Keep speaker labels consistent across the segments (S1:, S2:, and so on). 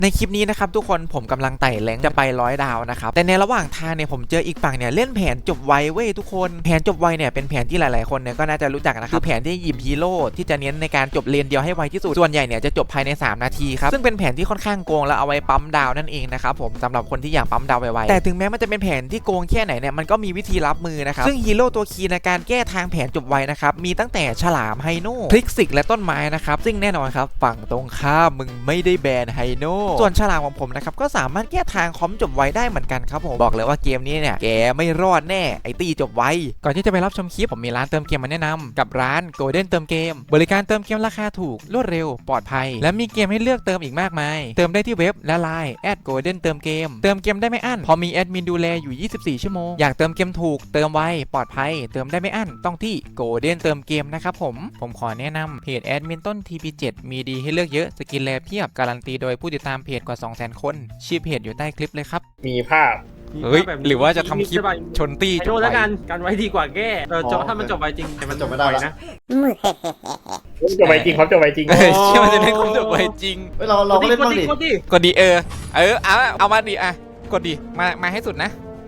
S1: ในคลิปนี้นะครับทุกคนผมกำลังไต่แรงจะไป100 ดาวนะครับแต่ในระหว่างทางเนี่ยผมเจออีกฝั่งเนี่ยเล่นแผนจบไวเว้ยทุกคนแผนจบไวเนี่ยเป็นแผนที่หลายๆคนเนี่ยก็น่าจะรู้จักนะครับคือแผนที่หยิบฮีโร่ที่จะเน้นในการจบเลนเดียวให้ไวที่สุดส่วนใหญ่เนี่ยจะจบภายใน3 นาทีครับซึ่งเป็นแผนที่ค่อนข้างโกงแล้วเอาไว้ปั๊มดาวนั่นเองนะครับผมสำหรับคนที่อยากปั๊มดาวไวๆแต่ถึงแม้มันจะเป็นแผนที่โกงแค่ไหนเนี่ยมันก็มีวิธีรับมือนะครับซึ่งฮีโร่ตัวคีย์ในการแก้ทางแผนจบไวนะครับมีตั้งแต่ฉลามไฮโน่พลิกซิกและต้นไม้นะครับซึ่งแน่นอนครับฝั่งตรงข้ามมึงไม่ได้แบนไฮโน่ส่วนฉลามของผมนะครับก็สามารถแก้ทางคอมจบไวได้เหมือนกันครับผมบอกเลยว่าเกมนี้เนี่ยแกไม่รอดแน่ไอตีจบไวก่อนที่จะไปรับชมคลิปผมมีร้านเติมเกมมาแนะนำกับร้าน Golden เติมเกมบริการเติมเกมราคาถูกรวดเร็วปลอดภัยและมีเกมให้เลือกเติมอีกมากมายเติมได้ที่เว็บและไลน์@Golden เติมเกมเติมเกมได้ไม่อั้นพอมีแอดมินดูแลอยู่24 ชั่วโมงอยากเติมเกมถูกเติมไวปลอดภัยเติมได้ไม่อั้นต้องที่ Golden เติมเกมนะครับผมขอแนะนำเพจแอดมินต้น TP7 มีดีให้เลือกเยอะสกินแลเพียบการันตีโดยผู้ติดตามเพจกว่า 200,000 คนชื่อเพจอยู่ใต้คลิปเลยครับ
S2: มีภาพ
S1: เฮ้ยหรือว่าจะทำคลิปชนตี้จบ
S3: โทษ
S1: ไว
S3: แล้วกันไว้ดีกว่าแก้จบถ้ามันจบไวจริงแต่มัน
S4: จบไม่ได้ละ
S3: นะ
S2: จบไปจริงเขาจบไปจริง
S1: เชื่อมันจะได้ครบจบไวจริง
S4: เฮ้ยเราก็เล่นบ้างดิ
S3: กดดิ
S1: กดดีเอามาดิกดดิมาให้สุดนะ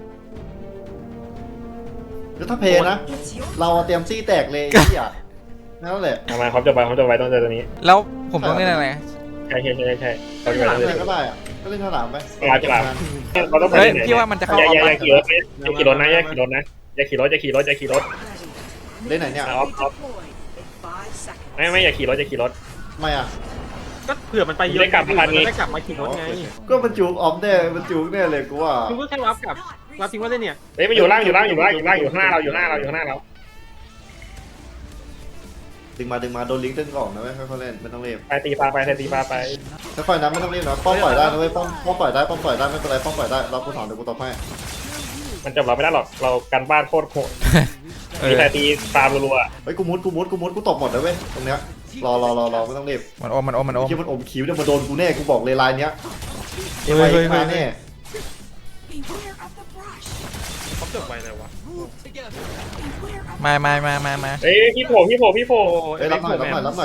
S4: แล้วถ้าเพลย์นะ เราเตรียมซี่แตกเลยไอ้เหี้ยนั่นแหละ
S2: เอามาเขาจบไปต้องเจอตัวนี้
S1: แล้วผมต้องเล่นอะไร
S2: ใช่เขาจบ
S4: เล่น
S2: ไป
S4: ฉลามเลยก็ได้อะก็เล่นฉลามไป
S2: ฉลามเราต้องไป
S1: เฮ้ย
S2: ไหน
S1: พี่ว่ามันจะเข้า
S2: อย่า
S1: ออฟ
S2: ขี่รถอย่าขี่รถนะอย่าขี่รถนะอย่าขี่รถ
S4: เล่นไหนเนี่ย
S2: ออฟไม่อย่าขี่รถ
S4: ไม่อ่ะ
S3: ก็เผื่อมันไปเยอะ
S2: ได้กลับมาทันนี้
S3: ได้กลับมาขี่รถไง
S4: ก็มันจูกออฟแน่มันจูกแน่เลยกูว่า
S3: คุณก็แค่รับกับรับทิ้งไว้ได้เนี่ย
S2: เฮ้ยมันอยู่ล่างอยู่ข้างหน้าเราอยู่ข้างหน้าเรา
S4: ดึงมาโดนลิงก์ดึงออกนะเว้ยค่อยๆเล่นไม่ต้องรีบ
S2: ไปตีปลาไป
S4: ค่อยๆนะไม่ต้องรีบนะป้อมปล่อยได้นะเว้ยป้อมปล่อยได้ไม่เป็นไรป้อมปล่อยได้เรากูถอนเดี๋ยวกูตอบให้
S2: มันจบเราไม่ได้หรอกเรากันบ้านโคตรโหดมีแต่ตีปลารัว
S4: เฮ้ยกูมุดกูตบหมดเลยเว้ยตรงเนี้ยรอไม่ต้องรีบ
S1: มันอม
S4: คิดมันอมคิ้วเนี่ยมาโดนกูแน่กูบอกเลยลายเนี้ย
S1: เฮ้ย
S4: มาแน่
S3: เขาจบไวเลยวะ
S1: มา
S2: เฮ้ยพี่โผล่
S4: เฮ้ยรับหน่อย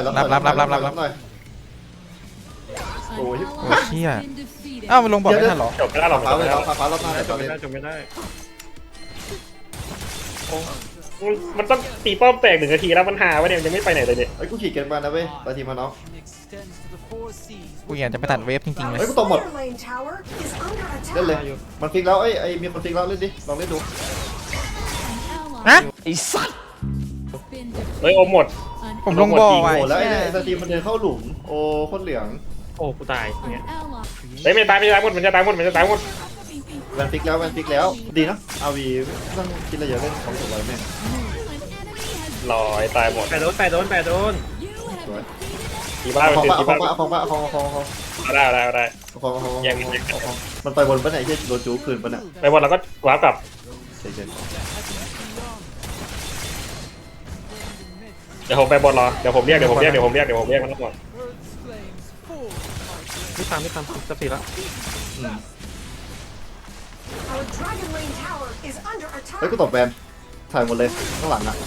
S4: โอ้ย
S1: โอ้เชี่ยอ้าวมันลงบอกไม่ทันหรอ
S2: จบไม่ได้หรอก
S4: ฟ้าเลยฟ้ารอบหน้าเดี๋ยว
S3: จ
S4: ต
S3: บ
S4: อน
S3: ไม่
S4: นี้
S3: ได้จบไม่ได้
S2: มันต้องตีป้อมแตก1 นาทีแล้วมันหาวะเนี่ยยังไม่ไปไหนเลยเนี่ย
S4: เฮ้ยกูขี่เกินมานะเว้ยตาทีมาน้อง
S1: กูอยากจะไปตัดเวฟจริงๆเลย
S4: เฮ้ยกูตบหมดเล่นเลยมันฟิกแล้วไอ้มีคนฟิกแล้วเล่นดิลองเล่นดู
S1: ฮะไอ้สัตว์
S2: เฮ้ยอมหมด
S1: ผมลงบ่อไว้
S4: โอ้แล้วไอ้ตาทีมันเดินเข้าหลุมโอ้โคตรเหลือง
S3: โอ้กูตายอย่างเงี้ย
S2: เฮ้ยมันจะตายหมด
S4: แวนฟิกแล้วดีนะอาวีต้องคิดอะไรเยอะเล่นของสวยแม่
S2: ลอยตายหมด
S3: แปดโดน
S4: สวย
S2: ตีบ้าไป
S4: ของ
S2: ตี
S4: ปะ
S2: บ้า
S4: ได้
S2: ยัง
S4: มันไปบนปะไหนที่โดนจูคืนปะเนี่ย
S2: ไปหมดแล้วก็วาร์ปกลับ
S4: เฉย
S2: เดี๋ยวผมไปบนรอเดี๋ยวผมเรียกมันทั้งหมด
S3: ไม่ทำจะผิดละ
S4: เฮ้ยกูตบแวนถ่ายหมดเลยข้างหลังอ่ะ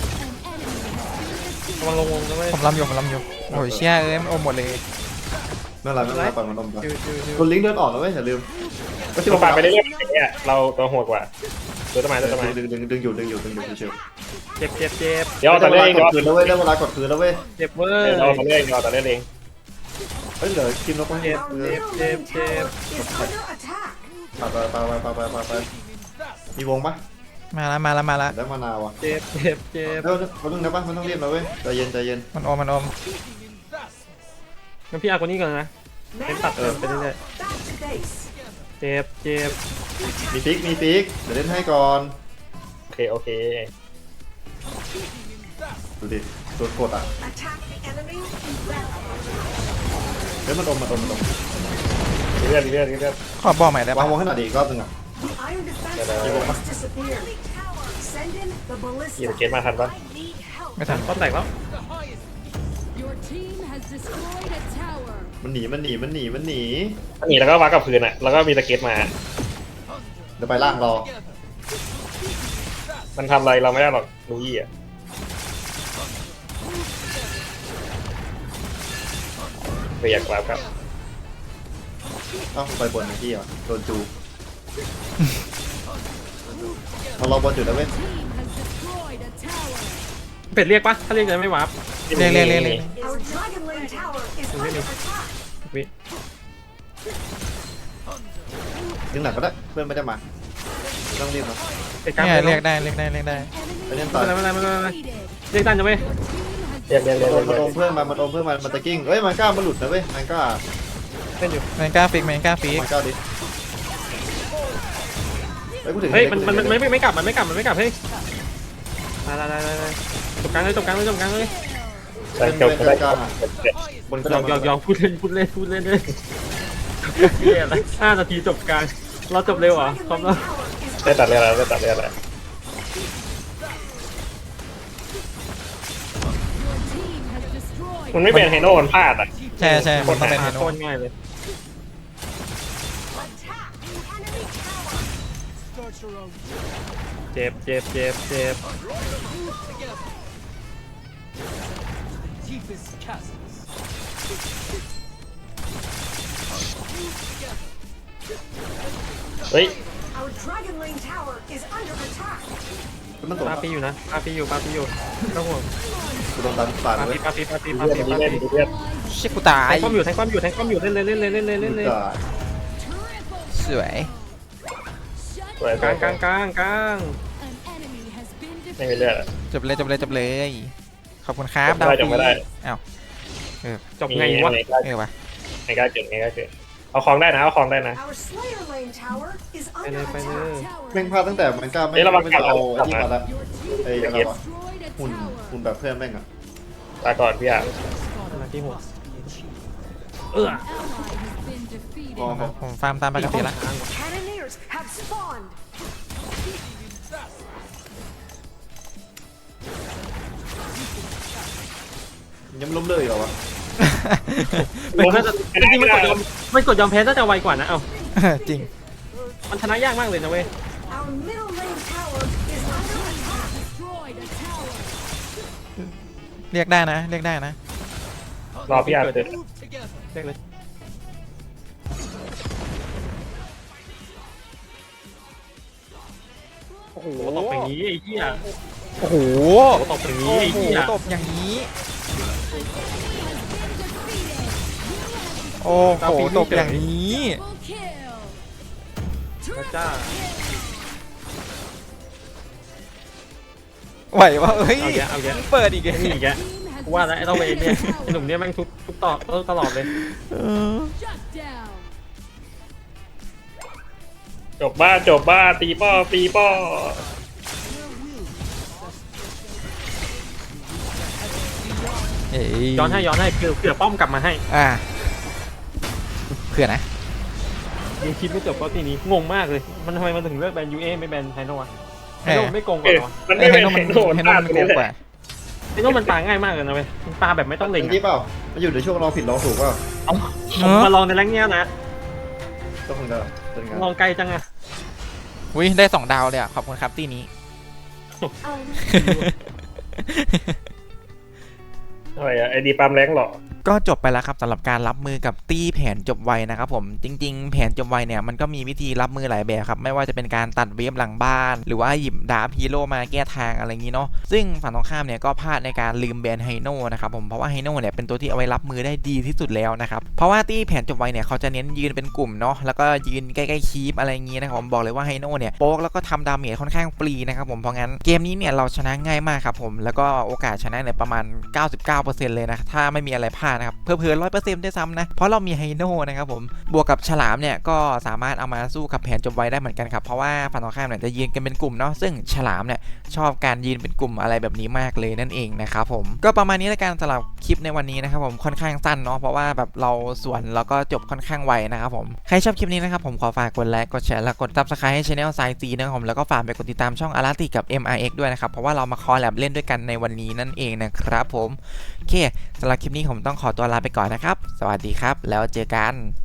S3: กำลังลงนะเว้ย
S1: ผมลำอยู่โอ้ยเชี่ยมันอมหมดเลย
S4: นั่นแหละปล่อยมันลงไปคนลิงก์เดินออกแล้วเว้ยอย่าลืมก็
S2: ที่เราปาไปเรื่อยๆเนี่ยเราตัวโหดกว่าตัวต้นไม้
S4: ดึงอยู่เฉย
S3: เจ็บ
S2: เดี๋ยวต่อเรื่อย
S4: กดคืนแล้วเว้ยได้เวลากดคืนแล้วเว้ย
S3: เจ็บเว้ย
S2: เราต่อเรื่อยเอง
S4: เฮ้ยเหลือคิมแล้วก็
S3: เจ็บ
S4: ไปมีวงปะ
S1: มาละ
S4: ได้มานาวอ่ะ
S3: เจ็บ
S4: แล้วมันต้องนะปะมันต้องเรียบแล้วเว้ยใจเย็น
S1: มันอม
S3: งั้นพี่อาคนนี้ก่อนนะเป็นตัดไปเรื่อยๆเจ็บ
S4: มีฟิกเดี๋ยวเล่นให้ก่อน
S2: โอเค
S4: ดูดิโดนกดอ่ะเฮ้ยมันอม
S2: เรื่อย
S1: ขอบอกใหม่ได้
S4: วา
S1: ปะ
S4: งวงให้หน่อยดิรอบนึงอ่ะ
S2: ยี่สิบเกตมาทันปะ
S1: ไม่ทัน
S3: ป้อมแตกแล้ว
S4: มันหนี
S2: หนีแล้วก็วาร์ปกับพื้นอ่ะแล้วก็มีสเก็ตมา
S4: เดี๋ยวไปล่างรอ
S2: มันทำอะไรเราไม่ได้หรอกลูยี่อ่ะไม่อยากวาร์ปครับ
S4: เอ้าไปบนไอ้ที่เหรอโดนจูเรารอบอลอยู่แล้วเว้ย
S3: เป็ดเรียกปะถ้าเรียกจะไม่วาร์ป
S1: เรียก
S5: Our Dragon Lane Tower is under
S3: Really?
S5: attack.
S3: วิ
S4: ดึงหลังก็ได้เพื่อนไม่ได้มาไม่ต้องรีบนะ
S3: เป็ดกลาง
S1: เนี่ย
S3: ไป
S1: เรียกได้เรียกได้เรียกได้
S4: ไปเล่น
S3: ไม่
S4: ต่อ
S3: เป็นไรไม่เป็นไรไม่เป็นไรเรียกตันจะเว้ย
S2: เรียก
S4: มันโอมเพื่อนมันโอมเพื่อนมันตะกิ้งเฮ้ยมันกล้ามันหลุดนะเว้ยมันกล้า
S3: เล่นอยู่
S1: แมนกล้าฟิกแมนกล้าฟิก
S4: มันกล้าดิเฮ้ยกูถึง
S3: เฮ้ยมันไม่กลับมันไม่กลับเฮ้ยได้จบกลางเลยจบกลางเลย
S2: แต่จบก็ได้
S4: บน
S3: ยอมพูดเล่นเลยเฮียอะไร5 นาทีจบกลางเราจบเร็วเหรอพร้อมแล้ว
S2: ได้ตัดเรียอะไรได้ตัดเรียอะไร มันไม่เป็นไฮโน่มันพลาดอ่ะ
S1: ใช่ใช่มันต้องเป็นเฮโน
S3: โคตรง่ายเลย เจ็บ
S2: เฮ้ย
S5: Our Dragon Lane Tower is under attack.
S4: มันตก
S3: ปาปีอยู่นะปาปีอยู่ไม่ต้องห่วง
S4: กูโดนตันปาด
S3: ปา
S4: เว้
S3: ปี
S4: ย
S3: ปาปี
S2: เล่นเล่น
S1: เชี่ยกูตาย
S3: แทงความอยู่เล่นเลย
S1: สวย
S2: สวย
S3: กลาง
S2: ไม่มีเลือด
S1: จบเลยขอบคุณครับดาว
S2: จบไม่ได้
S1: อ้าว
S3: จบไงวะ
S1: วะ
S2: ไงกล้าเกิดเอาของได้นะ
S5: Our Slayer Lane Tower is under attack.
S4: แม่งพลาดตั้งแต่มันกล้าไม่เอาไอ้ที่มาละไอ้อะไรวะหุ่นแบบเพื่อนแม่งอ่ะ
S2: ตาก่อนพี่อ่ะ
S3: มาที่หัว
S4: พอ
S1: ผมฟาร์มตามปกติละ
S5: Cannoneers have spawned.
S4: ยังล้มเลยเหรอวะ
S3: มันน่าจะจริงๆมันกดยอมแพ้น่าจะไวกว่านะเอ้า
S1: จริง
S3: มันชนะยากมากเลยนะเว้ย
S5: Our middle lane tower is under attack.
S1: เรียกได้นะ
S2: รอพี่อ่ะเกิด
S3: เรียกเลยโอ้โหตบอย่างนี้ไอ้เหี้ย
S1: โอ้โห
S3: ตบอย่างนี้ไอ้เหี้ย
S1: ตบอย่างนี้ โอ้โหตบอย่างนี้
S3: พระเจ้า
S1: ไหววะเอ้ย
S3: เอาแยะ
S1: เปิดอีก
S3: นี่อีกแกกูว่าแล้วไอ้ต้องไปเนี่ยไอ้หนุ่มเนี่ยแม่งทุบต่อตลอดเลย
S2: จบบ้าตีป้อ
S3: ย้อนให้เผื่อป้อมกลับมาให้
S1: เพื่อนะ
S3: ยังคิดไม่จบเพราะทีนี้งงมากเลยมันทำไมมันถึงเลือกแบนยูเอไม่แบนไฮโน่อะไฮโน่ไม่โกงกว่าเหรอ
S2: มันไม่เป็นไฮโน่
S1: ให้
S2: พลาด
S1: มัน
S2: ไป
S1: โก
S2: นี่
S1: ง
S2: แห
S1: กว่า
S2: ละ
S3: ไฮโน่มันปาง่ายมากเลยนะเว้ยมันปาแบบไม่ต้องเล็ง
S4: ที่เปล่ามันอยู่ในช่วงเราผิดเราถูกเปล่า
S3: เอาผมมาลองในแรงเนี้ยนะ
S4: ก็คงจะเป็นงาน
S3: ลองไกลจังอะ
S1: อุ้ยได้2 ดาวเลยอ่ะ ขอบคุณครับที่นี้
S2: อะไรอ่ะไอดีปั๊มแรงหรอ
S1: ก็จบไปแล้วครับสำหรับการรับมือกับตี้แผนจบไวนะครับผมจริงๆ แผนจบไวเนี่ยมันก็มีวิธีรับมือหลายแบบครับไม่ว่าจะเป็นการตัดเวฟหลังบ้าน หรือว่าหยิบดาบฮีโร่มาแก้ทางอะไรอย่างนี้เนาะซึ่งฝั่งตรงข้ามเนี่ยก็พลาดในการลืมแบนไฮโน่นะครับผมเพราะว่าไฮโน่เนี่ยเป็นตัวที่เอาไว้รับมือได้ดีที่สุดแล้วนะครับเพราะว่าตี้แผนจบไวเนี่ยเขาจะเน้นยืนเป็นกลุ่มเนาะแล้วก็ยืนใกล้ๆคีปอะไรอย่างนี้นะครับผมบอกเลยว่าไฮโน่เนี่ยโป๊กแล้วก็ทำดาเมจค่อนข้างฟรีนะครับผมเพราะงั้นเกมนี้เนี่ยเราชนะง่ายมากครับผมแล้วก็โอกาสชนะเนี่ยประมาณ 99% เลยนะถ้าไม่มีอะไรพลาดนะครับเพิ่ม100%ด้วยซ้ำนะเพราะเรามีไฮโน่นะครับผมบวกกับฉลามเนี่ยก็สามารถเอามาสู้กับแผนจบไวได้เหมือนกันครับเพราะว่าฝั่งตรงข้ามเนี่ยจะยืนกันเป็นกลุ่มเนาะซึ่งฉลามเนี่ยชอบการยืนเป็นกลุ่มอะไรแบบนี้มากเลยนั่นเองนะครับผมก็ประมาณนี้ละกันสำหรับคลิปในวันนี้นะครับผมค่อนข้างสั้นเนาะเพราะว่าแบบเราสวนแล้วก็จบค่อนข้างไวนะครับผมใครชอบคลิปนี้นะครับผมขอฝากกดไลค์กดแชร์และกด Subscribe ให้ Channel สายจีนะครับผมแล้วก็ฝากไปกดติดตามช่องอาราติกับ MRX ด้วยนะครับเพราะว่าเรามาคอลแลบเล่นด้วยกันในวันนี้นั่นเองนะครับผมโอเคสำหรับคลิปนี้ผมต้องขอตัวลาไปก่อนนะครับสวัสดีครับแล้วเจอกัน